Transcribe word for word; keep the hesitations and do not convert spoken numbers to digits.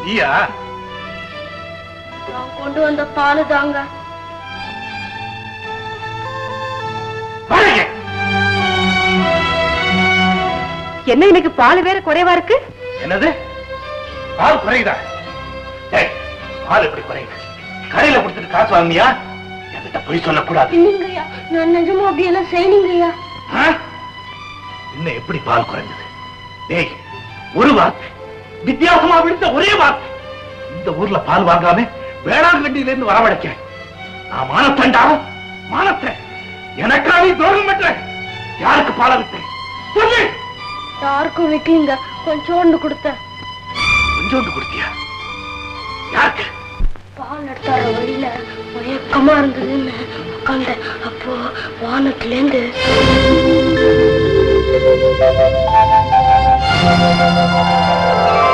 நீயா? நான் கொண்டு வந்த பாலு தாங்க. என்ன இன்னைக்கு பால் வேற குறைவா இருக்கு? என்னது பால் குறையுதா? பால் எப்படி குறையுது? கடையில கொடுத்துட்டு காசு வாங்கியா? என்கிட்ட போய் சொல்லக்கூடாது. இல்லைங்கய்யா, நான் நிஜமா அப்படியெல்லாம் செய்யலங்கய்யா. இன்னும் எப்படி பால் குறைஞ்சது? டேய், ஒரு வார்த்தை வித்தியாசமா விழுந்த ஒரே வார்த்தை. இந்த ஊர்ல பால் வாங்காம வேளாங்கண்ணில இருந்து வரவழைக்க நான் மானத்தண்டா மானத்தை எனக்காக துரோகம் பண்ற. யாருக்கு பால விட்டேன் சொல்லு? யாருக்கும் விக்கலீங்க, கொஞ்சோண்டு கொடுத்த. கொஞ்சோண்டு கொடுத்தியா? யாருக்கு? பால் எடுத்தார வழியில மயக்கமா இருந்ததுன்னு உட்காந்த. அப்போ வானத்துல இருந்து Oh